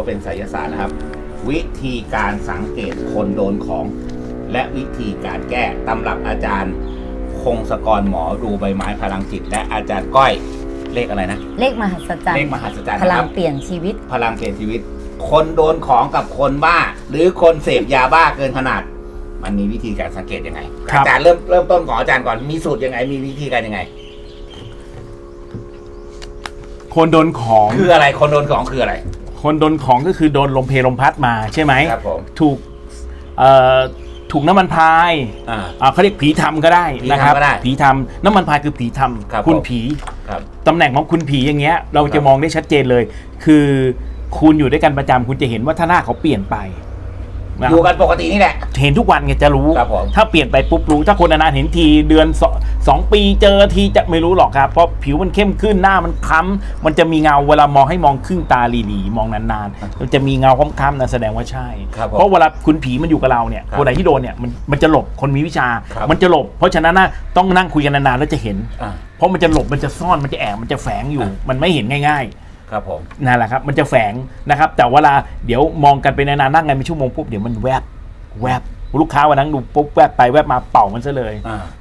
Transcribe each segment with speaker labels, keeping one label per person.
Speaker 1: ว่าเป็นไสยศาสตร์นะครับวิธีการสังเกตคนโดนของและวิธีการแก้ตำรับอาจารย์คงศกรหมอดูใบไม้พลังจิตและอาจารย์ก้อยเลขอะไรนะ
Speaker 2: เลขมหัศจรรย์
Speaker 1: เลขมหัศจรรย์
Speaker 2: พลังเปลี่ยนชีวิต
Speaker 1: พลังเปลี่ยนชีวิตคนโดนของกับคนบ้าหรือคนเสพยาบ้าเกินขนาดมันมีวิธีการสังเกตยังไงอาจารย์เริ่มต้นของอาจารย์ก่อนมีสูตรยังไงมีวิธีการยังไง
Speaker 3: คนโดนของ
Speaker 1: คืออะไรคนโดนของคืออะไร
Speaker 3: คนโดนของก็คือโดนลมเพลลมพัดมาใช่ไหม
Speaker 1: ครับผม
Speaker 3: ถูกน้ำมันพายเขาเรียกผีทำก็ได้นะครับผีทำน้ำมันพายคือผีทำคุณผีตำแหน่งของคุณผีอย่างเงี้ยเราจะมองได้ชัดเจนเลยคือคุณอยู่ด้วยกันประจำคุณจะเห็นว่าท่าหน้าเขาเปลี่ยนไป
Speaker 1: อยู่กันปกตินี่แหละ
Speaker 3: เห็นทุกวันไงจะรู้ถ้าเปลี่ยนไปปุ๊บรู้ถ้าคนนานๆเห็นทีเดือน2 ปีเจอทีจะไม่รู้หรอกครับเพราะผิวมันเข้มขึ้นหน้ามันคล้ำมันจะมีเงาเวลามองให้มองครึ่งตาหลีๆมองนานๆมันจะมีเงาคล้ำๆนั่นแสดงว่าใช่เพราะเวลาคุณผีมันอยู่กับเราเนี่ยคนไหนที่โดนเนี่ยมันจะหลบคนมีวิชามันจะหลบเพราะฉะนั้นต้องนั่งคุยกันนานๆแล้วจะเห็นเพราะมันจะหลบมันจะซ่อนมันจะแอบมันจะแฝงอยู่มันไม่เห็นง่ายๆ
Speaker 1: ครับผม
Speaker 3: นั่นแหละครับมันจะแฝงนะครับแต่เวลาเดี๋ยวมองกันไปนานๆนั่งกันเป็นชั่วโมงปุ๊บเดี๋ยวมันแวบลูกค้าวันนั้นดูปุ๊บแวบไปแวบมาเป่ามันซะเลย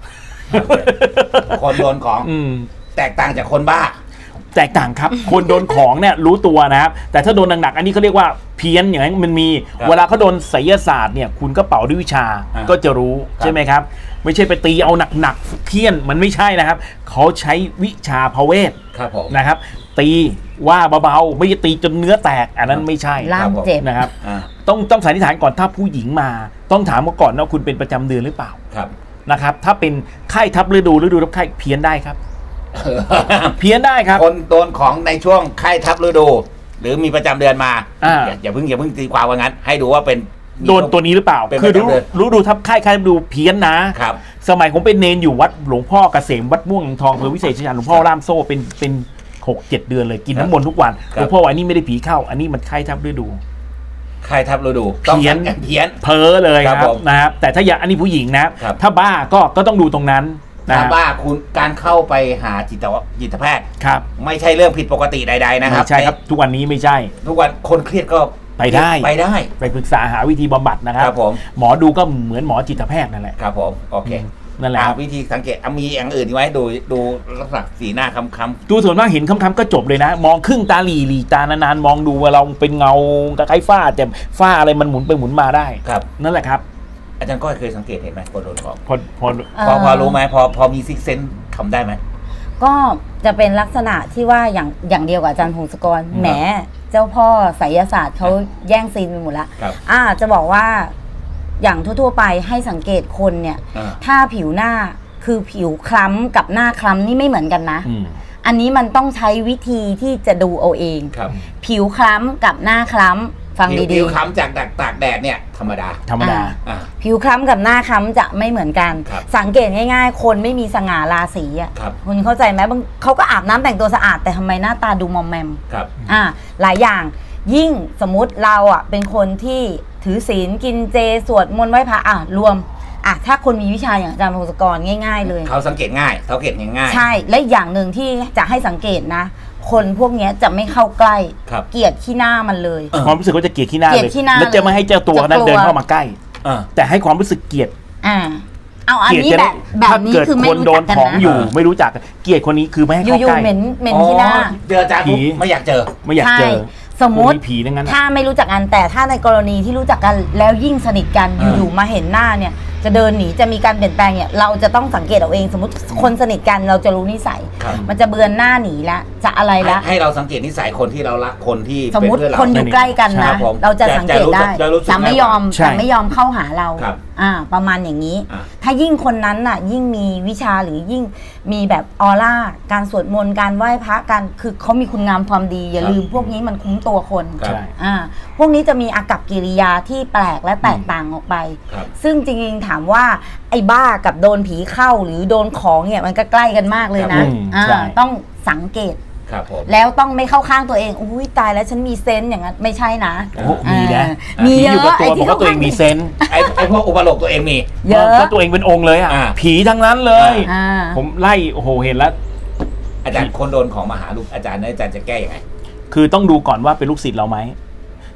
Speaker 1: คนโดนของแตกต่างจากคนบ้า
Speaker 3: แตกต่างครับ คนโดนของเนี่ยรู้ตัวนะครับแต่ถ้าโดนหนักๆอันนี้เขาเรียกว่าเพี้ยนอย่างนั้นมันมีเวลาเขาโดนไสยศาสตร์เนี่ยคุณก็เป่าด้วยวิชาก็จะรู้ใช่ไหมครับไม่ใช่ไปตีเอาหนักๆเพี้ยนมันไม่ใช่นะครับเขาใช้วิชาพเวทนะครับตีว่าเบาๆไม่ใช่ตีจนเนื้อแตกอันนั้นไม่ใช่
Speaker 2: ล่ามเจ็บ
Speaker 3: นะครับต้องสันนิษฐานก่อนถ้าผู้หญิงมาต้องถามมาก่อนว่าคุณเป็นประจำเดือนหรือเปล่านะครับถ้าเป็นไข้ทับฤดูทับไข้เพี้ยนได้ครับเพี้ยนได้ครับ
Speaker 1: คนโดนของในช่วงไข้ทับฤดู หรือมีประจำเดือนมาอย่าเพิ่งตีความว่างั้นให้ดูว่าเป็น
Speaker 3: โดนตัวนี้หรือเปล่าคือรู้ดูทับไข้ดูเพี้ยนนะครับสมัยผมเป็นเนนอยู่วัดหลวงพ่อเกษมวัดม่วงทองอำเภอวิเศษชัยชาญหลวงพ่อล่ามโซ่เป็น6-7 เดือนเลยกินน้ำมนต์ทุกวันหลวงพ่อว่านี่ไม่ได้ผีเข้าอันนี้มันไข้ทับฤดู
Speaker 1: ไข้ทับฤดู
Speaker 3: เพี้ยนเพ้อเลยครับนะครับแต่ถ้าอย่างอันนี้ผู้หญิงนะถ้าบ้าก็ต้องดูตรงนั้น
Speaker 1: ถ้าบ้าคุณการเข้าไปหาจิตแพทย์ไม่ใช่เรื่องผิดปกติใดๆนะครับ
Speaker 3: ใช่ครับทุกวันนี้ไม่ใช่
Speaker 1: ทุกวันคนเครียดก็
Speaker 3: ไปได้
Speaker 1: ไป
Speaker 3: ปรึกษาหาวิธีบำบัดนะครับหมอดูก็เหมือนหมอจิตแพทย์นั่นแหละ
Speaker 1: ครับผมโอเค
Speaker 3: นั่นแหละ
Speaker 1: วิธีสังเกตมีอย่างอื่นไว้ดูลักษณะสีหน้าค้ำ
Speaker 3: ดูส่วนมากเห็นค้ำๆก็จบเลยนะมองครึ่งตาหลีตานานๆมองดูว่าเราเป็นเงาคล้ายฝ้าแต่ฝ้าอะไรมันหมุนไปหมุนมาได้นั่นแหละครับ
Speaker 1: อาจารย์ก็เคยสังเกตเห็นไหมคนโดนของพอรู้ไหมพอมีซิกเซนส์ทำได้ไหม
Speaker 2: ก็จะเป็นลักษณะที่ว่าอย่างเดียวกับอาจารย์พงศกรแหมเจ้าพ่อไสยศาสตร์เขาแย่งซีนไปหมดแล้วจะบอกว่าอย่างทั่วๆไปให้สังเกตคนเนี่ยถ้าผิวหน้าคือผิวคล้ำกับหน้าคล้ำนี่ไม่เหมือนกันนะอันนี้มันต้องใช้วิธีที่จะดูเอาเองผิวคล้ำกับหน้าคล้ำฟังดีๆ
Speaker 1: ผิวคล้ำจากตากแดดเนี่ยธรรมดา
Speaker 2: ผิวคล้ำกับหน้าคล้ำจะไม่เหมือนกันสังเกตง่ายๆคนไม่มีสง่าราศีอ่ะคุณเข้าใจไหมบางเขาก็อาบน้ำแต่งตัวสะอาดแต่ทำไมหน้าตาดูมอมแมมหลายอย่างยิ่งสมมุติเราอ่ะเป็นคนที่ถือศีลกินเจสวดมนต์ไหว้พระรวมถ้าคนมีวิชาอย่างอาจารย์พงศกรง่ายๆเลย
Speaker 1: เขาสังเกตง่าย
Speaker 2: ใช่และอย่างหนึ่งที่จะให้สังเกตนะคนพวกนี้จะไม่เข้าใกล้เกลียดขี้หน้ามันเลย
Speaker 3: ความรู้สึกว่าจะเกลียดขี้หน้าเลยแล้วจะไม่ให้เจ้าตัวนั้นเดินเข้ามาใกล้แต่ให้ความรู้สึกเกลียด
Speaker 2: เอาอันนี้แบบนี้คือไม่รู้จักกันนะ
Speaker 3: อยู่ไม่รู้จักเกลียดคนนี้คือไม่ให้เข้าใกล้
Speaker 2: อยู่ๆเหม็นขี้หน้า
Speaker 1: เจออาจารย์ไม่อยากเจอ
Speaker 2: สมมติถ้าไม่รู้จักกันแต่ถ้าในกรณีที่รู้จักกันแล้วยิ่งสนิทกันอยู่ๆมาเห็นหน้าเนี่ยจะเดินหนีจะมีการเปลี่ยนแปลงเนี่ยเราจะต้องสังเกตเอาเองสมมติคนสนิทกันเราจะรู้นิสัยมันจะเบือนหน้าหนีละจะอะไรละ
Speaker 1: ให้เราสังเกตนิสัยคนที่เรารักคนที่
Speaker 2: สมมติคนอยู่ใกล้กันนะเราจะสังเกตได้จะไม่ยอมเข้าหาเราประมาณอย่างนี้ถ้ายิ่งคนนั้นน่ะยิ่งมีวิชาหรือยิ่งมีแบบออร่าการสวดมนต์การไหว้พระการคือเขามีคุณงามความดีอย่าลืมพวกนี้มันคุ้มตัวคนพวกนี้จะมีอากัปกิริยาที่แปลกและแตกต่างออกไปซึ่งจริงๆถามว่าไอ้บ้ากับโดนผีเข้าหรือโดนของเนี่ยมันก็ใกล้กันมากเลยนะต้องสังเกตแล้วต้องไม่เข้าข้างตัวเองอุ้ยตายแล้วฉันมีเซนส์อย่างนั้นไม่ใช่นะ
Speaker 3: มีนะ
Speaker 2: มีเยอะ
Speaker 3: ไอ้ที่ตัวเองมีเซนส์
Speaker 1: ไอ้พวกอุปโลกตัวเองมี
Speaker 3: เยอะก็ตัวเองเป็นองค์เลยผีทั้งนั้นเลยผมไล่โอ้โหเห็นแล้ว
Speaker 1: อาจารย์คนโดนของมาหาลูกอาจารย์จะแก้ยังไง
Speaker 3: คือต้องดูก่อนว่าเป็นลูกศิษย์เราไหม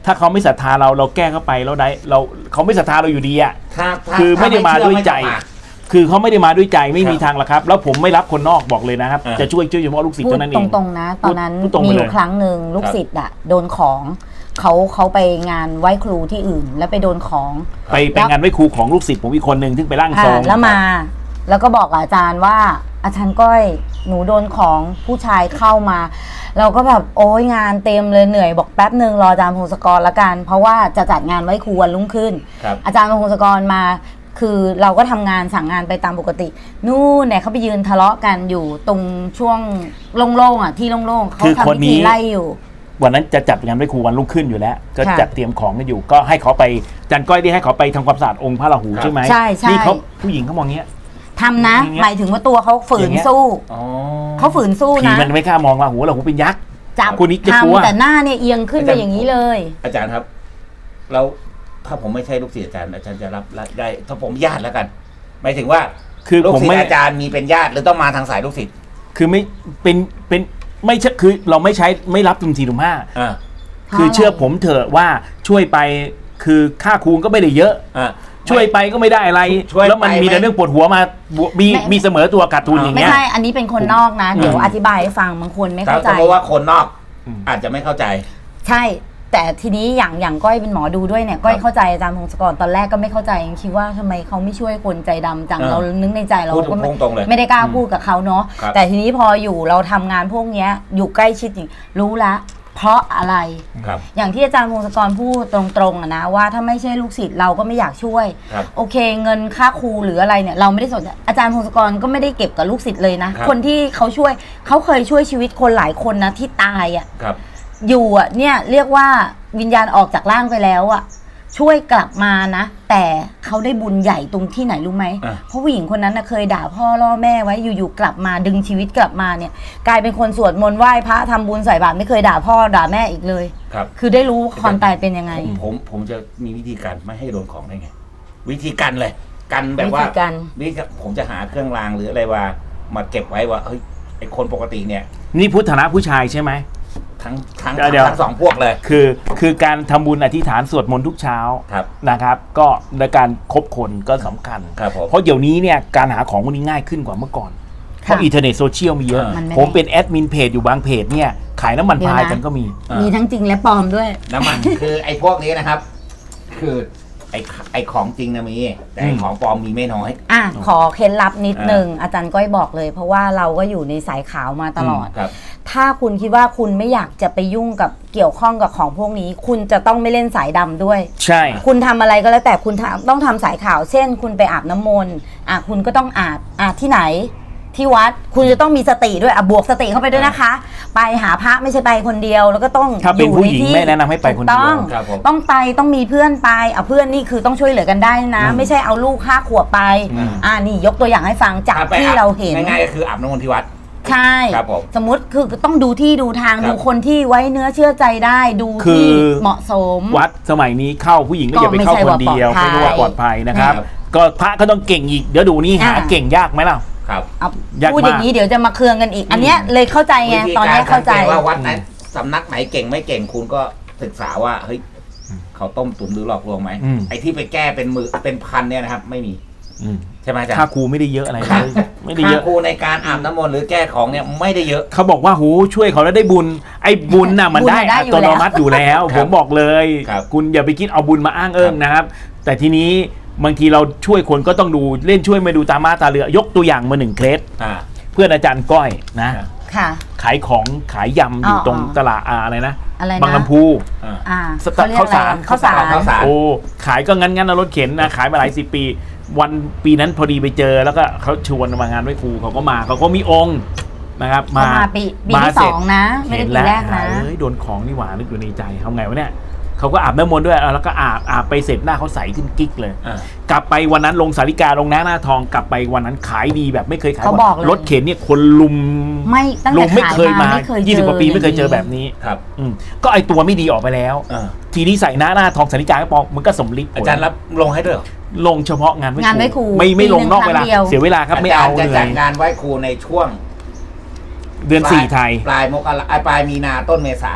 Speaker 3: ถ้าเขาไม่ศรัทธาเราแก้เข้าไปแล้วได้เขาไม่ศรัทธาเราอยู่ดีอ่ะ
Speaker 1: ถ้า
Speaker 3: คือไม่ได้มาด้วยใจ
Speaker 1: ไม่ต้องมา
Speaker 3: คือเขาไม่ได้มาด้วยใจไม่มีทางละครับ แล้วผมไม่รับคนนอกบอกเลยนะครับ จะช่วยเฉพาะลูกศิษย์
Speaker 2: พูด
Speaker 3: เท่านั้นเอง
Speaker 2: ตรงๆนะตอนนั้น
Speaker 3: พูดตรง
Speaker 2: มี
Speaker 3: ไป
Speaker 2: อ
Speaker 3: เลย
Speaker 2: ยู่ครั้งหนึ่งลูกศิษย์อะโดนของเขาไปงานไหว้ครูที่อื่น แล้วไปโดนของ
Speaker 3: ไปงานไหว้ครูของลูกศิษย์ผมอีกคนหนึ่งที่ไปร่างทรง
Speaker 2: แล้วมาแล้วก็บอกกับอาจารย์ว่าอาจารย์ก้อยหนูโดนของผู้ชายเข้ามา เราก็แบบโอ้ยงานเต็มเลยเหนื่อยบอกแป๊บหนึ่งรออาจารย์พงศกรละกัน เพราะว่าจะจัดงานไหว้ครูวันรุ่งขึ้น อาจารย์พงศกรมาคือเราก็ทำงานสั่งงานไปตามปกตินู่นเนี่ยเขาไปยืนทะเลาะกันอยู่ตรงช่วงโล่งๆอ่ะที่โล่งๆเขาทำพิธีไล่อยู่
Speaker 3: วันนั้นจะจัดงานไหว้ครูวันรุ่งขึ้นอยู่แล้ว ก็
Speaker 2: ค่ะ
Speaker 3: จัดเตรียมของกันอยู่ ก็ให้เขาไปอาจารย์ก้อยที่ให้เขาไปทำความสะอาดองค์พระราหูใช่ไหม
Speaker 2: ใช่ใช่
Speaker 3: นี่เขาผู้หญิงเขามองเงี้ย
Speaker 2: ทำนะ
Speaker 3: อย่างเงี้ย
Speaker 2: หมายถึงว่าตัวเขาฝืนสู้
Speaker 1: อ๋อ
Speaker 2: เขาฝืนสู้
Speaker 3: ผี
Speaker 2: นะ
Speaker 3: มันไม่กล้ามองราหูเป็นยักษ์
Speaker 2: จับ
Speaker 3: คนนี้จะกลัว
Speaker 2: ทำแต่หน้าเนี่ยเอียงขึ้นไปอย่างนี้เลย
Speaker 1: อาจารย์ครับแล้วถ้าผมไม่ใช่ลูกศิษย์อาจารย์จะรับได้ ถ้าผมญาติแล้วกันหมายถึงว่า
Speaker 3: คือ
Speaker 1: ลูก
Speaker 3: ผม
Speaker 1: ศิษ
Speaker 3: ไม่
Speaker 1: ย์อาจารย์มีเป็นญาติหรือต้องมาทางสายลูกศิษย์
Speaker 3: คือไม่เป็นไม่ใช่คือเราไม่ใช้ไม่รับตุ่ม4ตุ่ม
Speaker 1: อ่า
Speaker 3: 5คือเชื่อผมเถอะว่าช่วยไปคือค่าครูก็ไม่ได้เยอะ
Speaker 1: อ่า
Speaker 3: ช่วยไปก็ไม่ได้อะไร
Speaker 1: ช่วยไป
Speaker 3: แล้วมันมีแต่เรื่องปวดหัวมามีเสมอตัวขาดทุนอย่าง
Speaker 2: ไม่
Speaker 3: เงี้ย
Speaker 2: ใช่อันนี้เป็นคนนอกนะ เดี๋ยวอธิบายให้ฟังบางคนไม่เข้าใจ
Speaker 1: เพราะว่าคนนอก
Speaker 3: อืม
Speaker 1: อาจจะไม่เข้าใจ
Speaker 2: ใช่ แต่ทีนี้อย่างก้อยเป็นหมอดูด้วยเนี่ยก้อยเข้าใจอาจารย์พงศกรตอนแรกก็ไม่เข้าใจยังคิดว่าทำไมเขาไม่ช่วยคนใจดำจัง เรานึกในใจเรา
Speaker 1: พูด
Speaker 2: ก็
Speaker 1: ตรงๆเลย
Speaker 2: ไม่ได้กล้าพูดกับเขาเนาะ
Speaker 1: ครับ
Speaker 2: แต่ทีนี้พออยู่เราทำงานพวกเนี้ยอยู่ใกล้ชิดจริงรู้ละเพราะอะไร
Speaker 1: ครับ
Speaker 2: อย่างที่อาจารย์พงศกรพูดตรงๆอะนะว่าถ้าไม่ใช่ลูกศิษย์เราก็ไม่อยากช่วย
Speaker 1: ครับ
Speaker 2: โอเคเงินค่าครูหรืออะไรเนี่ยเราไม่ได้สนใจอาจารย์พงศกรก็ไม่ได้เก็บกับลูกศิษย์เลยนะ
Speaker 1: ครับ
Speaker 2: คนที่เขาช่วยเขาเคยช่วยชีวิตคนหลายคนนะที่ตายอ่ะ
Speaker 1: ครับ
Speaker 2: อยู่อ่ะเนี่ยเรียกว่าวิญญาณออกจากร่างไปแล้วอ่ะช่วยกลับมานะ แต่เขาได้บุญใหญ่ตรงที่ไหนรู้ไหม
Speaker 1: อ่ะ
Speaker 2: เพราะผู้หญิงคนนั้นนะเคยด่าพ่อล่อแม่ไว้อยู่ๆกลับมาดึงชีวิตกลับมาเนี่ยกลายเป็นคนสวดมนต์ไหว้พระทำบุญใส่บาตรไม่เคยด่าพ่อด่าแม่อีกเลย
Speaker 1: ครับ
Speaker 2: คือได้รู้ความตายเป็นยังไง
Speaker 1: ผมจะมีวิธีการไม่ให้โดนของได้ไง วิธีกันเลย กันแบบว่า
Speaker 2: วิธีการ
Speaker 1: ผมจะหาเครื่องรางหรืออะไรมาเก็บไว้ว่าเฮ้ยไอคนปกติเนี่ย
Speaker 3: นี่พุทธนะผู้ชายใช่ไหม
Speaker 1: ทั้ง
Speaker 3: เดี๋ยว
Speaker 1: สองพวกเลย
Speaker 3: คือการทำบุญอธิษฐานสวดมนต์ทุกเช้า
Speaker 1: ครับ
Speaker 3: นะครับ ก็ในการคบคนก็สำคัญ
Speaker 1: ครับผม
Speaker 3: เพราะเดี๋ยวนี้เนี่ยการหาของพวกนี้ง่ายขึ้นกว่าเมื่อก่อน เพราะอินเทอร์เน็ตโซเชียลมีเยอะ
Speaker 2: มันไม่
Speaker 3: ผมเป็นแอดมินเพจอยู่บางเพจเนี่ยขายน้ำมันพายกันก็มี
Speaker 2: มีทั้งจริงและปลอมด้วย
Speaker 1: น้ำมัน คือไอ้พวกนี้นะครับ คือไอ้ของจริงนะมีแต่ไอ้ของปลอมมีไม่น้อย
Speaker 2: อ่ะขอเคล็ดลับนิดนึงอาจารย์ก้อยบอกเลย เพราะว่าเราก็อยู่ในสายขาวมาตลอด
Speaker 1: ครับ
Speaker 2: ถ้าคุณคิดว่าคุณไม่อยากจะไปยุ่งกับเกี่ยวข้องกับของพวกนี้ คุณจะต้องไม่เล่นสายดำด้วย
Speaker 3: ใช่
Speaker 2: คุณทำอะไรก็แล้วแต่คุณต้องทำสายขาว เช่น คุณไปอาบน้ำมนต์คุณก็ต้องอาบที่ไหนที่วัดคุณจะต้องมีสติด้วยบวกสติเข้าไปด้วยนะคะ ไปหาพระไม่ใช่ไปคนเดียว แล้วก็ต้อง
Speaker 3: ถ้าเป็นผู้หญิง
Speaker 2: ใที่
Speaker 3: ไม่แนะนำให้ไปคนเดียว
Speaker 2: ถูกต้อง
Speaker 1: ครับผม
Speaker 2: ต้องไปต้องมีเพื่อนไปเพื่อนนี่คือต้องช่วยเหลือกันได้นะ ไม่ใช่เอาลูก5 ขวบไป นี่ยกตัวอย่างให้ฟังจากที่เราเห็น
Speaker 1: ง่ายๆก็คืออาบน้ำมนต์ที่วัด
Speaker 2: ใช่
Speaker 1: ครับผม
Speaker 2: สมมติคือต้องดูที่ดูทาง
Speaker 1: ครับ
Speaker 2: ดูคนที่ไว้เนื้อเชื่อใจได้ดู
Speaker 3: คือ
Speaker 2: ที่เหมาะสม
Speaker 3: วัดสมัยนี้เข้าผู้หญิงก็อย่าไปเข้าคนเดียว
Speaker 2: ก็ไม่
Speaker 3: ไม่
Speaker 2: ใช่
Speaker 3: รู้
Speaker 2: ว่า
Speaker 3: ว่า
Speaker 2: ป
Speaker 3: ป
Speaker 2: ล
Speaker 3: ล
Speaker 2: อ
Speaker 3: อ
Speaker 2: ด
Speaker 3: ด
Speaker 2: ภั
Speaker 3: ภั
Speaker 2: ย
Speaker 3: ยนะครับ ก็พระก็ต้องเก่งอีกเดี๋ยวดูนี่หาเก่งยากไหมล่ะ
Speaker 1: ครับ
Speaker 2: เอา
Speaker 3: ยากมาก
Speaker 2: พูดอย่างนี้เดี๋ยวจะมาเคืองกันอีก อันเนี้ยเลยเข้าใจไง
Speaker 1: วิธี
Speaker 2: ตอน
Speaker 1: การ
Speaker 2: นี้เข้าใจ
Speaker 1: สังกตว่าวัดไหนสำนักไหนเก่งไม่เก่งคุณก็ศึกษาว่าเฮ้ยเขาต้มตุ๋นหรือหลอกลวงไหม
Speaker 3: อืม
Speaker 1: ไอ้ที่ไปแก้เป็นพันเนี่ยนะครับ ไม่มี
Speaker 3: อืม
Speaker 1: ใช่ไหมอาจารย์
Speaker 3: ค่าครูไม่ได้เยอะอะไรเลยไม่ได้
Speaker 1: ค่า
Speaker 3: เยอะ
Speaker 1: ครูในการอาบน้ำมนต์หรือแก้ของเนี่ยไม่ได้เยอะ
Speaker 3: เขาบอกว่าโหช่วยเขาแล้วได้บุญไอ้บุญน่ะมันได้
Speaker 2: บุญน่ะได้
Speaker 3: อั
Speaker 2: อยู่
Speaker 3: ต
Speaker 2: แล้ว
Speaker 3: โนมัติอยู่แล้ว
Speaker 1: ครับ
Speaker 3: ผมบอกเลย
Speaker 1: ครับ
Speaker 3: คุณอย่าไปคิดเอาบุญมาอ้างเอิงนะครับ แต่ทีนี้บางทีเราช่วยคนก็ต้องดูเล่นช่วยไม่ดูตามาตาเรือยกตัวอย่างมา1 เคส
Speaker 1: อ่า
Speaker 3: เพื่อนอาจารย์ก้อยนะ
Speaker 1: ครับ
Speaker 2: ค่ะ
Speaker 3: ขายของขายยำอยู่ตรงตลาดอะไรนะ
Speaker 2: อะไรนะ
Speaker 3: บางลำพู
Speaker 2: เขาเรียกอะไร
Speaker 3: ข้าวสาร
Speaker 2: ข้าวสาร
Speaker 1: ข้าวสาร
Speaker 3: โอ้ขายก็งั้นนะรถเข็นนะขายมาหลาย10 ปี วันปีนั้นพอดีไปเจอแล้วก็เขาชวนมางานไหว้ครูเขาก็มาเขาก็มีองค์นะครับ
Speaker 2: เขามาปีที่
Speaker 3: เสร็จ
Speaker 2: 2นะไม่ได้
Speaker 3: เห็น
Speaker 2: ปี
Speaker 3: แล้ว
Speaker 2: แรกนะ
Speaker 3: เอ้ยโดนของนี่หว่านึกอยู่ในใจทำไงวะเนี่ยเขาก็อาบน้ำมนต์ด้วยแล้วก็อาบไปเสร็จหน้าเขาใสขึ้นกิ๊กเลย
Speaker 1: อ่า
Speaker 3: กลับไปวันนั้นลงสาริกาลงหน้าทองกลับไปวันนั้นขายดีแบบไม่เคยขาย
Speaker 2: เขาบอกเลย
Speaker 3: รถเข็นเนี่ยคนลุม
Speaker 2: ไม่ตั้ง
Speaker 3: ลุ
Speaker 2: แต่
Speaker 3: มไม่
Speaker 2: ขาย
Speaker 3: เคย
Speaker 2: มา
Speaker 3: มา
Speaker 2: ไม่เคยเจอ
Speaker 3: 20 กว่าปีไม่เคยเจอ
Speaker 2: างนี้
Speaker 3: แบบนี้
Speaker 1: ครับ
Speaker 3: ก็ไอตัวไม่ดีออกไปแล้ว
Speaker 1: อ่า
Speaker 3: ทีนี้ใส่หน้าทองสาริกาก็ปองมันก็สำลิดผล
Speaker 1: อาจารย์รับลงให้ด้วยเหรอ
Speaker 3: ลงเฉพาะงาน
Speaker 2: งานไหว้ครู
Speaker 3: ไม่ลงนอกเวลา
Speaker 2: ปีหนึ่งครั้งเดียว
Speaker 3: เสียเวลาครับไม่เอา
Speaker 1: จะ
Speaker 3: เล
Speaker 1: จัด
Speaker 3: ย
Speaker 1: งานไหว้ครูในช่วง
Speaker 3: เดือน4ไทย
Speaker 1: ปลายมกราปลายมีนาต้นเมษา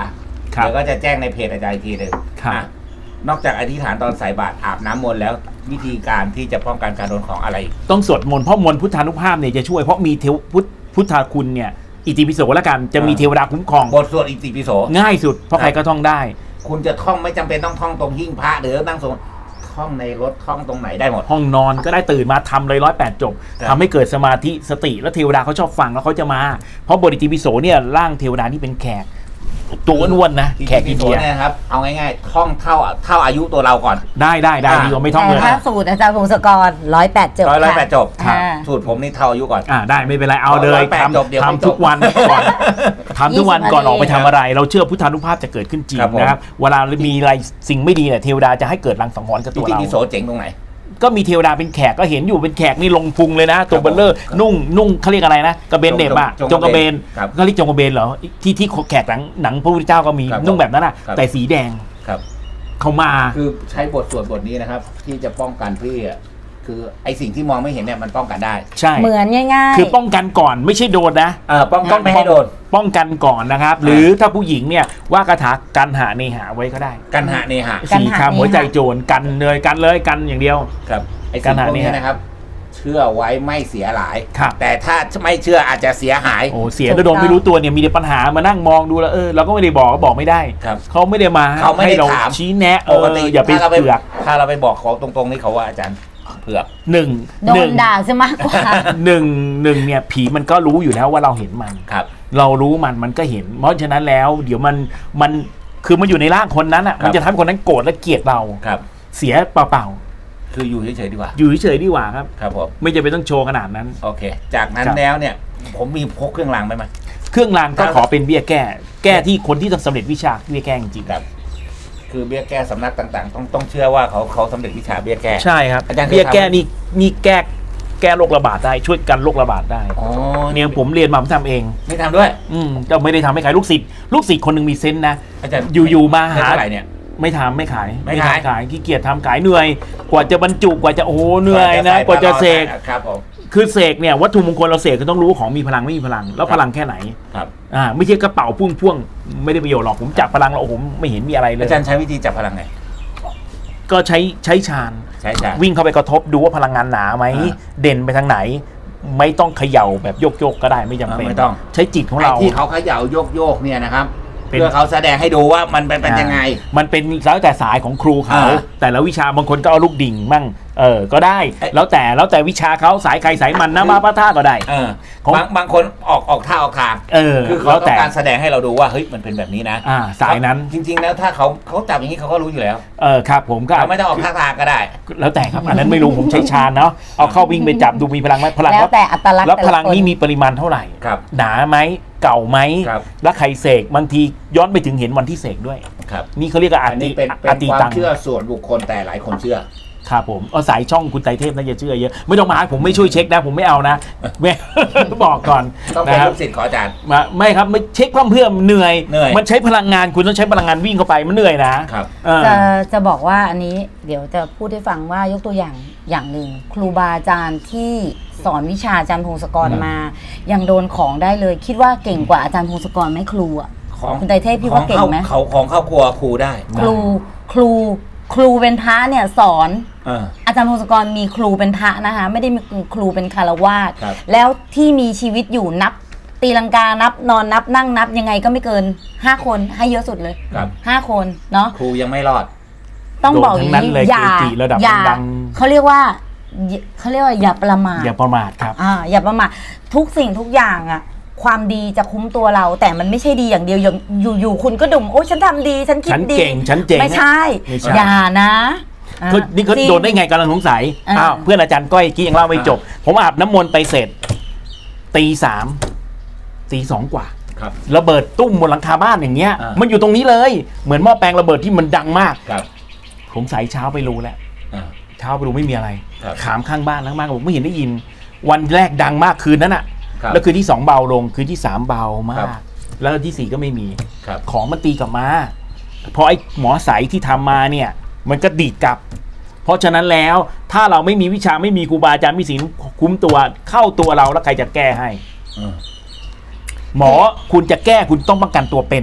Speaker 1: เดี๋ยวก็จะแจ้งในเพจอาจารย์อีกทีหนึ่งนอกจากอธิษฐานตอนใส่บาตรอาบน้ำมนต์แล้ววิธีการที่จะป้องกันการโดนของอะไร
Speaker 3: ต้องสวดมนต์เพราะมนต์พุทธานุภาพเนี่ยจะช่วยเพราะมีพุทธคุณเนี่ยอิติปิโสแล้วกันจะมีเทวดาคุ้มครอง
Speaker 1: บทสวดอิติปิโส
Speaker 3: ง่ายสุดเพราะใครก็ท่องได้
Speaker 1: คุณจะท่องไม่จำเป็นต้องท่องตรงหิ้งพระหรือนั่งสวดท่องในรถท่องตรงไหนได้หมด
Speaker 3: ห้องนอนก็ได้ตื่นมาทำเลย108 จบทำให้เกิดสมาธิสติแล้วเทวดาเขาชอบฟังแล้วเขาจะมาเพราะบทอิติปิโสเนี่ยร่างเทวดาที่เป็นแขกตัวอ้วนๆนะแขกอินเดีย
Speaker 1: เนี่ยครับเอาง่ายๆท่องเท่าอายุตัวเราก่อน
Speaker 3: ได้ดีกว่าไม่ท่องเลย
Speaker 2: ถ้าสูตรอาจารย์พงศกร108 จบ
Speaker 1: 108 จบสูตรผมนี่เท่าอายุก่อน
Speaker 3: ได้ไม่เป็นไรเอาเลยทำทุกวันก่อนทำทุกวันก่อนออกไปทำอะไรเราเชื่อพุทธานุภาพจะเกิดขึ้นจริงนะครับเวลามีอะไรสิ่งไม่ดีเนี่ยเทวดาจะให้เกิดรังสังหรณ์กับตัวเรา
Speaker 1: อิติปิโสเจ๋งตรงไหน
Speaker 3: ก็มีเทวดาเป็นแขกก็เห็นอยู่เป็นแขกนี่ลงพุงเลยนะตัวเบลเลอร์นุ่งเขาเรียกอะไรนะกระเบนเด็บอะจงกระเบนเขาเรียกจงกระเบนเหรอที่แขกหนังพระพุทธเจ้าก็มีนุ่งแบบนั้นอะแต่สีแดงเขามา
Speaker 1: คือใช้บทสวดบทนี้นะครับที่จะป้องกันพี่คือไอสิ่งที่มองไม่เห็นเนี่ยมันป้องกันได้
Speaker 3: ใช่
Speaker 2: เหมือนง่าย
Speaker 3: ๆคือป้องกันก่อนไม่ใช่โดนนะ
Speaker 1: ป้องกันไม่ให้โดน
Speaker 3: ป้องกันก่อนนะครับหรือถ้าผู้หญิงเนี่ยว่าคาถากันหาเนหาไว้ก็ได้
Speaker 1: กันหาเนหา
Speaker 3: 4 คำหัวใจโจรกันเลยกันอย่างเดียว
Speaker 1: ครับไอสิ่งพวกนี้นะครับเชื่อไว้ไม่เสียหลายแต่ถ้าไม่เชื่ออาจจะเสียหาย
Speaker 3: เสียก็โดนไม่รู้ตัวเนี่ยมีแต่ปัญหามานั่งมองดูแล้วเราก็ไม่ได้บอกไม่ได้เขาไม่ได้มาให้เราชี้แนะอย่าไปเผือก
Speaker 1: ถ้าเราไปบอกเขาตรงๆนี่เขาว่าอาจารย์เผือก
Speaker 3: หนึ่ง
Speaker 2: โดนด่าซะมากกว่า
Speaker 3: หนึ่งเนี่ยผีมันก็รู้อยู่แล้วว่าเราเห็นมันเรารู้มันก็เห็นเพราะฉะนั้นแล้วเดี๋ยวมันคือมันอยู่ในร่างคนนั้นอ่ะมันจะทำให้คนนั้นโกรธและเกลียดเราเสียเปล่า
Speaker 1: คืออยู่เฉยๆดีกว่า
Speaker 3: อยู่เฉยๆดีกว่าครับ
Speaker 1: ผม
Speaker 3: ไม่จะไปต้องโชว์ขนาดนั้น
Speaker 1: โอเคจากนั้นแล้วเนี่ยผมมีพกเครื่องรางไปไหม
Speaker 3: เครื่องรางก็ขอเป็นเบี้ยแก้ที่คนที่ต้องสำเร็จวิชาเบี้ยแก้จริง
Speaker 1: ๆครับคือเบี้ยแก้สำนักต่างๆต้องเชื่อว่าเขาสำเร็จวิชาเบี้ยแก้
Speaker 3: ใช่ครับเบี้ยแก้นี่แก้โรคระบาดได้ช่วยกันโรคระบาดได้เนี่ยผมเรียนมาผมทำเอง
Speaker 1: ไม่ทำด้วย
Speaker 3: ก็ไม่ได้ทำให้ใครลูกศิษย์คนหนึ่งมีเซนส์นะอยู่มาหาอะไรเนี่ยไม่ทำไม่ขายขี้เกียจทำขายเหนื่อยกว่าจะบรรจุกว่าจะโอ้เหนื่อยนะกว่าจะเสกคือเสกเนี่ยวัตถุมงคลเราเสกก็ต้องรู้ของมีพลังไม่มีพลังแล้วพลังแค่ไหนไม่ใช่กระเป๋าพ่วงไม่ได้ประโยชน์หรอกผมจับพลังแล้วผมไม่เห็นมีอะไรเลย
Speaker 1: อาจารย์ใช้วิธีจับพลังไง
Speaker 3: ก็ใช้ฌานวิ่งเข้าไปกระทบดูว่าพลังงานหนาไหมเด่นไปทางไหนไม่ต้องเขย่าแบบโยกก็ได้ไม่จำเป็น
Speaker 1: ไม่ต้อง
Speaker 3: ใช้จิตของเรา
Speaker 1: ที่เขาเขย่าโยกเนี่ยนะครับเพื่อเขาแสดงให้ดูว่ามันเป็นยังไง
Speaker 3: มันเป็นแล้วแต่สายของครูเขาแต่ละวิชาบางคนก็เอาลูกดิ่งมั่งก็ได้แล้วแต่วิชาเขาสายใครสายมันนะมาพระท่าก็ได้
Speaker 1: บางคนออกท่าออกทางคือเขาต้องการแสดงให้เราดูว่าเฮ้ยมันเป็นแบบนี้นะ
Speaker 3: สายนั้น
Speaker 1: จริงๆแล้วถ้าเขาจับอย่างนี้เขาก็รู้อยู่แล้ว
Speaker 3: ครับผมก็
Speaker 1: ไม่ต้องออกท่าทางก็ได้
Speaker 3: แล้วแต่ครับอันนั้นไม่รู้ผมใช้ฌานเนาะเอาเข้าวิ่งไปจับดูมีพลังไหมพลัง
Speaker 2: แล้วแต่อัตลักษณ์
Speaker 3: แล้วพลังนี้มีปริมาณเท่าไหร่หนาไหมเก่าไหมแล้วใครเสกบางทีย้อนไปถึงเห็นวันที่เสกด้วยนี่เขาเรียกว่า
Speaker 1: อันนี้เป็นความเชื่อส่วนบุคคลแต่หลายคนเชื่อ
Speaker 3: ครับผมสายช่องคุณไตรเทพน่าจะเชื่อเยอะไม่ต้องมาผมไม่ช่วยเช็คนะผมไม่เอานะบอกก่อน
Speaker 1: ต้องเป็นลูกศิษย์ขออาจารย์
Speaker 3: ไม่ครับไม่เช็คเพื่อเหนื่อยมันใช้พลังงานคุณต้องใช้พลังงานวิ่งเข้าไปมันเหนื่อยนะครับ
Speaker 2: จะบอกว่าอันนี้เดี๋ยวจะพูดให้ฟังว่ายกตัวอย่างหนึ่งครูบาอาจารย์ที่สอนวิชาอาจารย์พงศกรมายังโดนของได้เลยคิดว่าเก่งกว่าอาจารย์พงศกรไหมครูอ่ะคุณไตรเทพพี่ว่าเก่งไหม
Speaker 1: เขาของเข้าครัวครูได้
Speaker 2: ครูเป็นพระเนี่ยสอนอาจารย์พงศกรมีครูเป็นพระนะคะไม่ได้มีครูเป็นคารวาสแล้วที่มีชีวิตอยู่นับตีลังกานับนอนนับนั่งนับยังไงก็ไม่เกิน5 คนให้เยอะสุดเลย5 คนเนาะ
Speaker 1: ครูยังไม่รอด
Speaker 2: ต้องบอกอย่างนี้อย่าเขาเรียกว่าอย่าประมาท
Speaker 3: ครับ
Speaker 2: อย่าประมาททุกสิ่งทุกอย่างอ่ะความดีจะคุ้มตัวเราแต่มันไม่ใช่ดีอย่างเดียวอยู่คุณก็ดุมโอ้ฉันทำดีฉันคิดดี
Speaker 3: ฉันเจ๋ง
Speaker 2: ไม่ใช่อย่านะ
Speaker 3: นี่เขาโดนได้ไงกำลังสงสัยเพื่อนอาจารย์ก้อยกี้ยังเล่าไม่จบผมอาบน้ำมนต์ไปเสร็จตี2กว่าระเบิดตุ้มบนหลังคาบ้านอย่างเงี้ยมันอยู่ตรงนี้เลยเหมือนหม้อแปลงระเบิดที่มันดังมากผมสายเช้าไปรู้แล้วเช้าไปรู้ไม่มีอะไรถามข้างบ้านข้างบ้านบอกไม่เห็นได้ยินวันแรกดังมากคืนนั้นอะแล้วคืนที่2เบาลงคืนที่3เบามากแล้วที่4ก็ไม่มีของมันตีกลับมาเพราะไอ้หมอใสที่ทำมาเนี่ยมันก็ดีดกลับเพราะฉะนั้นแล้วถ้าเราไม่มีวิชาไม่มีครูบาอาจารย์มีศีลคุ้มตัวเข้าตัวเราแล้วใครจะแก้ให้หมอคุณจะแก้คุณต้องป้องกันตัวเป็น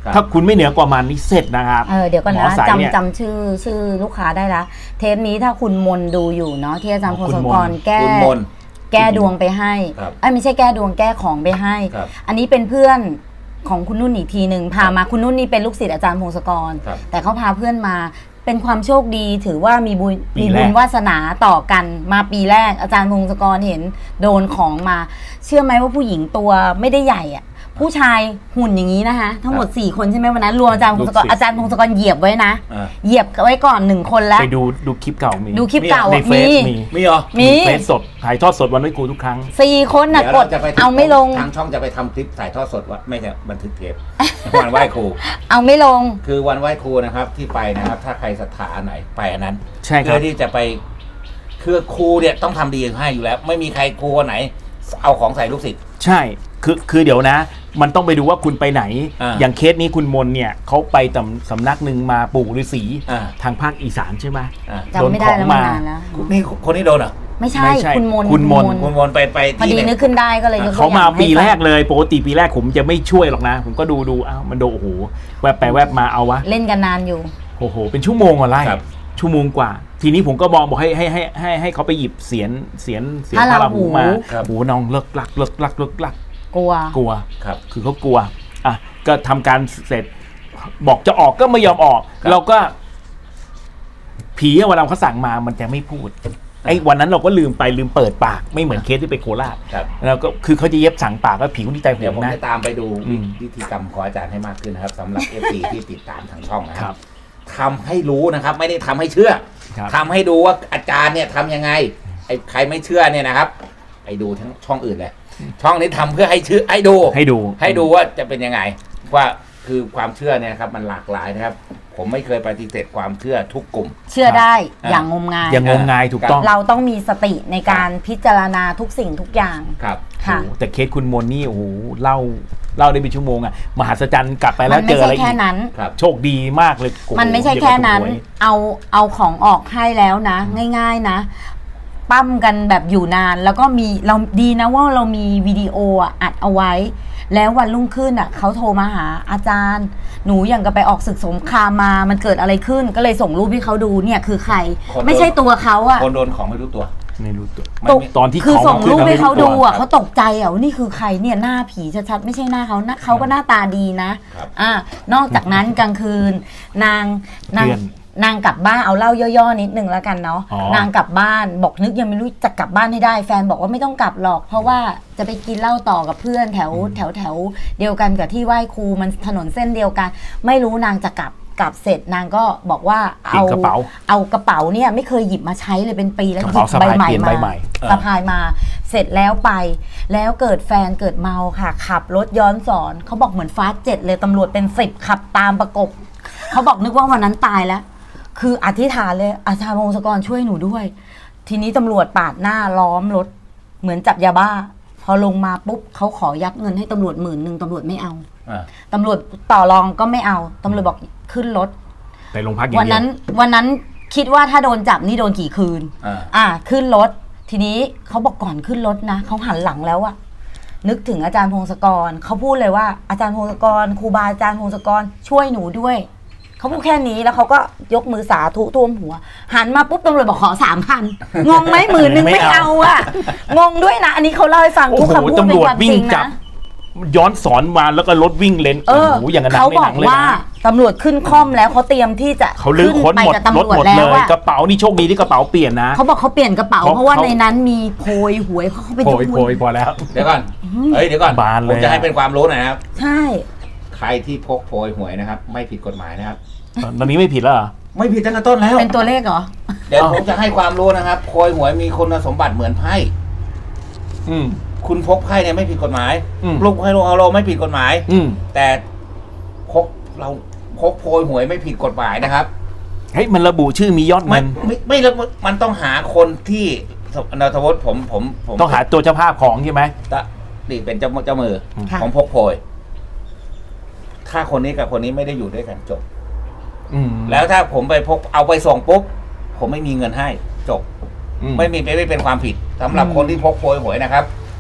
Speaker 3: ถ้าคุณไม่เหนือกว่ามันนี่เสร็จนะครับ
Speaker 2: เดี๋ยวก่อนนะ
Speaker 3: จ
Speaker 2: ำชื่อลูกค้าได้ละเทปนี้ถ้าคุณมนดูอยู่เนาะที่อาจารย์พงศกรแก้ดวงไปให้ไม่ใช่แก้ดวงแก้ของไปให้อันนี้เป็นเพื่อนของคุณนุ่นอีกทีหนึ่งพามาคุณนุ่นนี่เป็นลูกศิษย์อาจารย์พงศกรแต่เขาพาเพื่อนมาเป็นความโชคดีถือว่ามีบุญวาสนาต่อกันมาปีแรกอาจารย์พงศกรเห็นโดนของมาเชื่อไหมว่าผู้หญิงตัวไม่ได้ใหญ่อะผู้ชายหุ่นอย่างนี้นะคะทั้งหมด4คนใช่ไหมวันนั้นรวมอาจารย์พงศกรเหยียบไว้นะเหยียบไว้ก่อน1คนแล้ว
Speaker 3: ไปดูคลิปเก่ามี
Speaker 2: ดูคลิปเก่า
Speaker 1: มีเหรอ
Speaker 3: มีเฟซสดถ่ายทอดสดวันไว้ครูทุกครั้ง
Speaker 2: 4 คนกดเอาไม่ลง
Speaker 1: ทางช่องจะไปทำคลิปถ่ายทอดสดว่าไม่ใช่บันทึกเทปวันไหว้ครู
Speaker 2: เอาไม่ลง
Speaker 1: คือวันไหว้ครูนะครับที่ไปนะครับถ้าใครศรัทธาไหนไปอันนั้น
Speaker 3: ใช่ครับ
Speaker 1: เพื่อที่จะไปคือครูเนี่ยต้องทำดีให้อยู่แล้วไม่มีใครครูคนไหนเอาของใส่ลูกศิษย์
Speaker 3: ใช่คือเดี๋ยวนะมันต้องไปดูว่าคุณไปไหนอย่างเคสนี้คุณมนเนี่ยเขาไปสำนักหนึ่งมาปู่ฤาษีทางภาคอีสานใช่ไหม
Speaker 2: จำไม่ได้แล้วมานานแล้ว
Speaker 1: นี่คนนี้โดนเหรอ
Speaker 2: ไม่ใช่คุณมน
Speaker 1: ไป
Speaker 2: พอดีนึกขึ้นได้ก็เลย
Speaker 3: เขามาปีแรกเลยปกติปีแรกผมจะไม่ช่วยหรอกนะผมก็ดูอ้าวมันโดนโอ้โหแวบไปแวบมาเอาวะ
Speaker 2: เล่นกันนานอยู่
Speaker 3: โอ้โหเป็นชั่วโมงอะไรชั่วโมงกว่าทีนี้ผมก็บอกให้เขาไปหยิบเสียนพระราหูมาโอ้น้องเลิกลัก
Speaker 2: กลัว
Speaker 3: ครับคือเขากลัวอ่ะก็ทำการเสร็จบอกจะออกก็ไม่ยอมออกเราก็ผีเวลาเขาสั่งมามันจะไม่พูดไอ้วันนั้นเราก็ลืมเปิดปากไม่เหมือนเคสที่ไปโคราชแล้วก็คือเขาจะเย็บสั่งปากแล้วผิวที่ใจผมนะ
Speaker 1: เดี๋ยวผมจะตามไปดูวิธีกรรมของอาจารย์ให้มากขึ้นนะครับสำหรับ FC ที่ติดตามทางช่องนะครับทำให้รู้นะครับไม่ได้ทำให้เชื่อทำให้ดูว่าอาจารย์เนี่ยทำยังไงไอ้ใครไม่เชื่อเนี่ยนะครับไปดูทั้งช่องอื่นเลยช่องนี้ทำเพื่อให้ชื่อให้ดูว่าจะเป็นยังไงว่าคือความเชื่อเนี่ยครับมันหลากหลายนะครับผมไม่เคยปฏิเสธความเชื่อทุกกลุ่ม
Speaker 2: เชื่อได้อย่างงมงาย
Speaker 3: ถูกต้อง
Speaker 2: เราต้องมีสติในการพิจารณาทุกสิ่งทุกอย่าง
Speaker 1: ครับ
Speaker 2: ค่ะ
Speaker 3: แต่เคสคุณมนนี่โอ้โหเล่าได้เป็นชั่วโมงอะมหัศจรรย์กลับไปแล้วเจออะไรอีกโชคดีมากเลย
Speaker 2: มันไม่ใช่แค่นั้นเอาของออกให้แล้วนะง่ายๆนะปั้มกันแบบอยู่นานแล้วก็เราดีนะว่าเรามีวิดีโออัดเอาไว้แล้ววันรุ่งขึ้นเขาโทรมาหาอาจารย์หนูอย่างกับไปออกศึกสงครามมามันเกิดอะไรขึ้นก็เลยส่งรูปให้เขาดูเนี่ยคือใครไม่ใช่ตัวเขา
Speaker 1: คนโดนของไม่รู้ตัว
Speaker 3: ตอนที่
Speaker 2: คือส่งรูปให้เขาดูเขาตกใจว่านี่คือใครเนี่ยหน้าผีชัดๆไม่ใช่หน้าเขาก็หน้าตาดีนะนอกจากนั้นกลางคืนนางกลับบ้านเอาเล่าย่อๆนิดนึงแล้วกันเนาะนางกลับบ้านบอกนึกยังไม่รู้จะกลับบ้านให้ได้แฟนบอกว่าไม่ต้องกลับหรอกเพราะว่าจะไปกินเหล้าต่อกับเพื่อนแถวเดียวกันกับที่ไหว้ครูมันถนนเส้นเดียวกันไม่รู้นางจะกลับเสร็จนางก็บอกว่าเอากระเป๋าเนี่ยไม่เคยหยิบมาใช้เลยเป็นปีแล้วหยิบใบใหม่มาสะพายมาเสร็จแล้วไปแล้วเกิดแฟนเกิดเมาค่ะขับรถย้อนสอนเขาบอกเหมือนฟาสต์7เลยตำรวจเป็น10ขับตามประกบเขาบอกนึกว่าวันนั้นตายแล้วคืออธิษฐานเลยอาจารย์พงศกรช่วยหนูด้วยทีนี้ตำรวจปาดหน้าล้อมรถเหมือนจับยาบ้าพอลงมาปุ๊บเขาขอยัดเงินให้ตำรวจ10,000ตำรวจไม่เอาตำรวจต่อรองก็ไม่เอาตำรวจบอกขึ้นรถ
Speaker 3: ไปโรงพักอย่างเดียว
Speaker 2: วันนั้นคิดว่าถ้าโดนจับนี่โดนกี่คืนขึ้นรถทีนี้เขาบอกก่อนขึ้นรถนะเขาหันหลังแล้วนึกถึงอาจารย์พงศกรเขาพูดเลยว่าอาจารย์พงศกรครูบาอาจารย์พงศกรช่วยหนูด้วยเขาพูดแค่นี้แล้วเขาก็ยกมือสาธุท่วมหัวหันมาปุ๊บตำรวจบอกขอ 3,000 งงไหม10,000ไม่เอางงด้วยนะอันนี้เขาเล่าให้ฟังทุกคำพูดเป็นความจริงนะ
Speaker 3: ย้อนสอนมาแล้วก็รถวิ่งเลนอย่างนั้น
Speaker 2: เขาบอกว่าตำรวจขึ้นค่อมแล้วเขาเตรียมที่จะ
Speaker 3: ขึ้นไปกับตำรวจแล้วกระเป๋านี่โชคดีที่กระเป๋าเปลี่ยนนะ
Speaker 2: เขาบอกเขาเปลี่ยนกระเป๋าเพราะว่าในนั้นมีโพยหวยเขาไปดู
Speaker 3: โพยพอแล้ว
Speaker 1: เดี๋ยวก่อนผมจะให้เป็นความรู้หน่อยครับ
Speaker 2: ใช่
Speaker 1: ใครที่พกโพยหวยนะครับไม่ผิดกฎหมายนะครับ
Speaker 3: ตอนนี้ไม่ผิดแล้วเหรอ
Speaker 1: ไม่ผิดตั้งแต่ต้นแล้ว
Speaker 2: เป็นตัวเลขเหรอ
Speaker 1: เดี๋ยวผมจะให้ความรู้นะครับโพยหวยมีคุณสมบัติเหมือนไพ่คุณพกไพ่เนี่ยไม่ผิดกฎหมายลูกไพ่ลูกเอาโลไม่ผิดกฎหมายแต่พกโพยหวยไม่ผิดกฎหมายนะครับ
Speaker 3: เฮ้ยมันระบุชื่อมียอดเงิน
Speaker 1: ไม่มันต้องหาคนที่นทวุฒิผม
Speaker 3: ต้องหาตัวเจ้าภาพของใช่ไหม
Speaker 1: นี่เป็นเจ้ามือของพกโพยถ้าคนนี้กับคนนี้ไม่ได้อยู่ด้วยกันจบแล้วถ้าผมไปพกเอาไปส่งปุ๊บผมไม่มีเงินให้จบไม่เป็นความผิดสำหรับคนที่พกโพยหวยนะครับ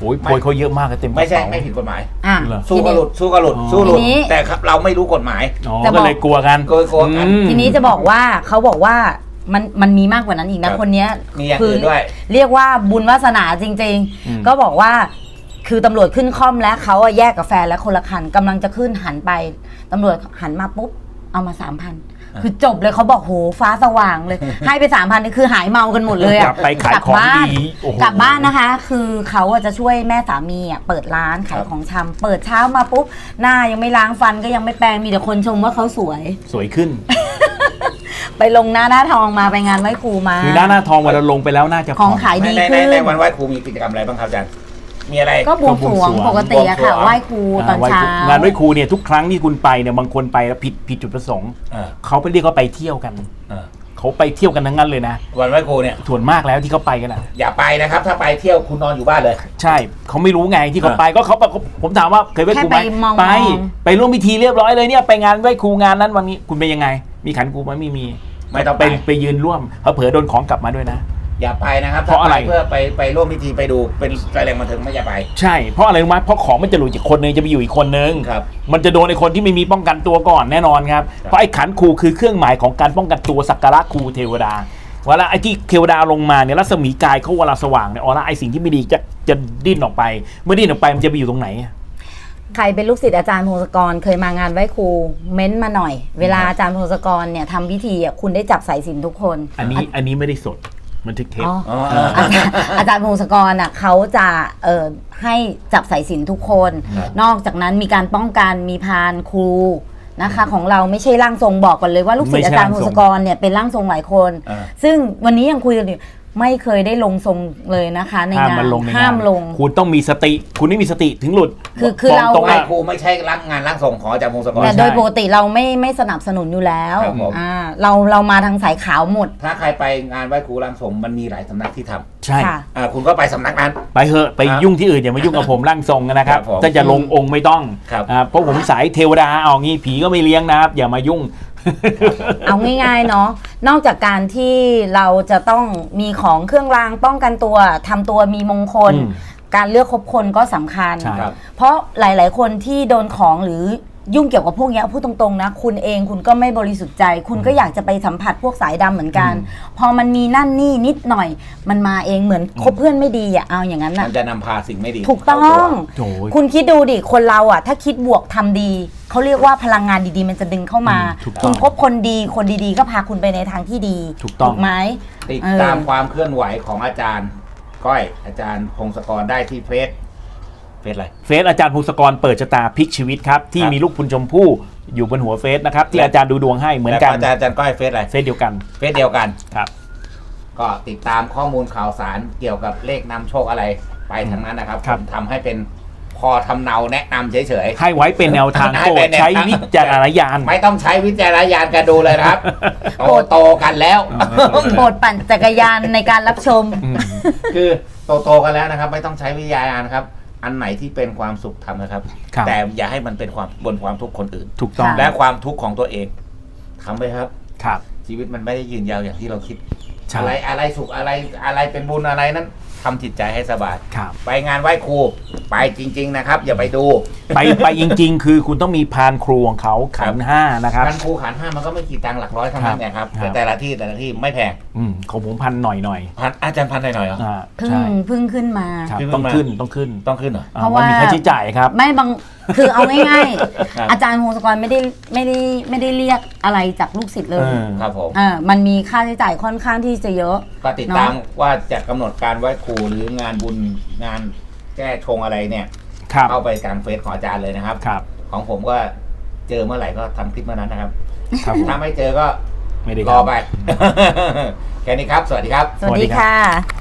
Speaker 3: โอ้ยโพยเขาเยอะมากเต็ม
Speaker 1: ไม่ใช่ไม่ผิดกฎหมาย
Speaker 2: สู้ก็หลุด
Speaker 1: แต่ครับเราไม่รู้กฎหมาย
Speaker 3: ก็เลยกลัวกัน
Speaker 2: ทีนี้จะบอกว่าเขาบอกว่ามันมีมากกว่านั้นอีกนะคนนี้
Speaker 1: มีอย่างอื่นด้วย
Speaker 2: เรียกว่าบุญวาสนาจริงๆก็บอกว่าคือตำรวจขึ้นค่อมแล้วเขาแยกกับแฟนแล้วคนละคันกำลังจะขึ้นหันไปตำรวจหันมาปุ๊บเอามา 3,000 คือจบเลยเขาบอกโหฟ้าสว่างเลย ให้ไป 3,000นี่คือหายเมากันหมดเลยอะ
Speaker 3: ไปขายของดี
Speaker 2: กลับบ้านนะคะคือเขาจะช่วยแม่สามีเปิดร้านขายของชำเปิดเช้ามาปุ๊บหน้ายังไม่ล้างฟันก็ยังไม่แปรงมีแต่คนชมว่าเขาสวย
Speaker 3: ขึ้น
Speaker 2: ไปลงหน้าทองมาไปงานไหว้ครูมา
Speaker 3: คือหน้าทองวันเราลงไปแล้วน่าจะ
Speaker 2: ของขายดีขึ้น
Speaker 1: ในวันไหว้ครูมีกิจกรรมอะไรบ้างครับอาจารย์มีอะไร
Speaker 2: ก็บวงสรวงปกติอะค่ะไหว้ครูตอนเช้าง
Speaker 3: านไหว้ครูเนี่ยทุกครั้งที่คุณไปเนี่ยบางคนไปแล้วผิดจุดประสงค์เขาไปเรียกเขาไปเที่ยวกันเขาไปเที่ยวกันทั้งนั้นเลยนะ
Speaker 1: วันไหว้ครูเนี่ย
Speaker 3: ส่วนมากแล้วที่เขาไปกันอะ
Speaker 1: อย่าไปนะครับถ้าไปเที่ยวคุณนอนอยู่บ้านเลย
Speaker 3: ใช่เขาไม่รู้ไงที่เขาไปก็เขาผมถามว่าเคยไหว้ครูไหมไปร่วมพิธีเรียบร้อยเลยเนี่ยไปงานไหว้ครูงานนั้นวันนี้คุณเป็นยังไงมีขันครูไหมไม่ต้องไปยืนร่วมเผลอโดนของกลับมาด้วยนะ
Speaker 1: อย่าไปนะครับเพราะอะไรเพื่อไปร่วมพิธีไปดูเป็นแรงบันเทิงไม่อย่าไป
Speaker 3: ใช่เพราะอะไรรู้ไหมเพราะของมันจะหลุดจากคนนึงจะไปอยู่อีกคนนึงมันจะโดนไอ้คนที่ไม่มีป้องกันตัวก่อนแน่นอนครับเพราะไอ้ขันครูคือเครื่องหมายของการป้องกันตัวสักการะครูเทวดาเวลาไอ้ที่เทวดาลงมาเนี่ยรัศมีกายเขาเวลาสว่างเนี่ยไอ้สิ่งที่ไม่ดีจะดิ้นออกไปเมื่อดิ้นออกไปมันจะไปอยู่ตรงไหน
Speaker 2: ใครเป็นลูกศิษย์อาจารย์พงศกรเคยมางานไหว้ครูเม้นมาหน่อยเวลาอาจารย์พงศกรเนี่ยทำพิธีคุณได้จับสายสิญจน์ทุกคน
Speaker 3: อันนี้ไม่ได้สดมันทึกเทป
Speaker 2: อาจารย์พงศกรเขาจะให้จับสายสิญจน์ทุกคนนอกจากนั้นมีการป้องกันมีพานครูนะคะของเราไม่ใช่ร่างทรงบอกก่อนเลยว่าลูกศิษย์อาจารย์พงศกรเนี่ยเป็นร่างทรงหลายคนซึ่งวันนี้ยังคุยกันอยู่ไม่เคยได้ลงทรงเลยนะคะในงานห้ามลง
Speaker 3: คุณต้องมีสติคุณไม่มีสติถึงหลุด
Speaker 2: คือเรา
Speaker 1: ครูไม่ใช่งานร่างทรงของอาจารย์พงศกร
Speaker 2: แต่โดยปกติเราไม่สนับสนุนอยู่แล้วเรามาทางสายขาวหมด
Speaker 1: ถ้าใครไปงานไหว้ครูร่างทรงมันมีหลายสำนักที่ทำ
Speaker 3: ใช่
Speaker 1: คุณก็ไปสำนักนั้น
Speaker 3: ไปเถอะไปยุ่งที่อื่นอย่ามายุ่งกับผมร่างทรงนะครับถ้าจะลงองค์ไม่ต้องเพราะผมสายเทวดาเอางี้ผีก็ไม่เลี้ยงนะครับอย่ามายุ่ง
Speaker 2: เอาง่ายๆเนาะนอกจากการที่เราจะต้องมีของเครื่องรางป้องกันตัวทำตัวมีมงคลการเลือกคบคนก็สำคัญเพราะหลายๆคนที่โดนของหรือยุ่งเกี่ยวกับพวกนี้พูดตรงๆนะคุณเองคุณก็ไม่บริสุทธิ์ใจคุณก็อยากจะไปสัมผัสพวกสายดำเหมือนกันพอมันมีนั่นนี่นิดหน่อยมันมาเองเหมือนคบเพื่อนไม่ดีเอาอย่างนั้นนะ
Speaker 1: มันจะนำพาสิ่งไม่ดี
Speaker 2: ถูกต้องคุณคิดดูดิคนเราถ้าคิดบวกทำดีเขาเรียกว่าพลังงานดีๆมันจะดึงเข้ามาคุณคบคนดีคนดีๆก็พาคุณไปในทางที่ดีถูกไหม
Speaker 1: ติดตามความเคลื่อนไหวของอาจารย์ก้อยอาจารย์พงศกรได้ที่เฟซอะไร
Speaker 3: เฟซอาจารย์พงศกรเปิดชะตาพลิกชีวิตครับที่มีลูกพุนชมพู่อยู่บนหัวเฟซนะครับที่อาจารย์ดูดวงให้เหมือนกัน
Speaker 1: อาจารย์ก้อยเฟซอะไร
Speaker 3: เฟซเดียวกัน
Speaker 1: ครับก็ติดตามข้อมูลข่าวสารเกี่ยวกับเลขนำโชคอะไรไปทั้งนั้นนะครับผมทำให้เป็นพอทำเนาแนะนำเฉย
Speaker 3: ๆให้ไว้เป็นแนวทางโปรดใช้วิจารณญาณ
Speaker 1: ไม่ต้องใช้วิจารณญาณกันดูเลยครับโตกันแล้ว
Speaker 2: โปรดปั่นจักรยานในการรับชม
Speaker 1: คือโตกันแล้วนะครับไม่ต้องใช้วิจารณญาณครับอันไหนที่เป็นความสุขทำนะครับแต่อย่าให้มันเป็นบนความทุกข์คนอื่น
Speaker 3: ถูกต้อง
Speaker 1: และความทุกข์ของตัวเองทำไปครับ
Speaker 3: ครับ
Speaker 1: ชีวิตมันไม่ได้ยืนยาวอย่างที่เราคิดอะไรสุขอะไรเป็นบุญอะไรนั้นทำจิตใจให้สบายไปงานไหว้ครูไปจริงๆนะครับอย่าไปดู
Speaker 3: ไปจริงๆคือคุณต้องมีพานครูของเขาขันห้านะครับ
Speaker 1: พานครูขันห้ามันก็ไม่กี่ตังค์หลักร้อยเท่านั้นเนี่ยครับแต่ละที่ไม่แพง
Speaker 3: ของผมพันหน่อย
Speaker 1: อาจารย์พันหน่อยเหรอ
Speaker 2: พึ่งขึ้นมา
Speaker 3: ต้องขึ้นเหรอ
Speaker 2: เพราะว่า
Speaker 3: มีค่าใช้จ่ายครับ
Speaker 2: ไม่บางคือเอาง่ายๆอาจารย์พงศกรไม่ได้เรียกอะไรจากลูกศิษย์เลย
Speaker 1: ครับผม
Speaker 2: มันมีค่าใช้จ่ายค่อนข้างที่จะเยอะ
Speaker 1: ก็ติดตามว่าจะกำหนดการไหว้ครูหรืองานบุญงานแก้ชงอะไรเนี่ยเข้าไปกลางเฟซของอาจารย์เลยนะครับของผมก็เจอเมื่อไหร่ก็ทำคลิปเมื่อนั้นนะครับถ้าไม่เจอก็รอไปแค่นี้ครับสวัสดีครับ
Speaker 2: สวัสดีค่ะ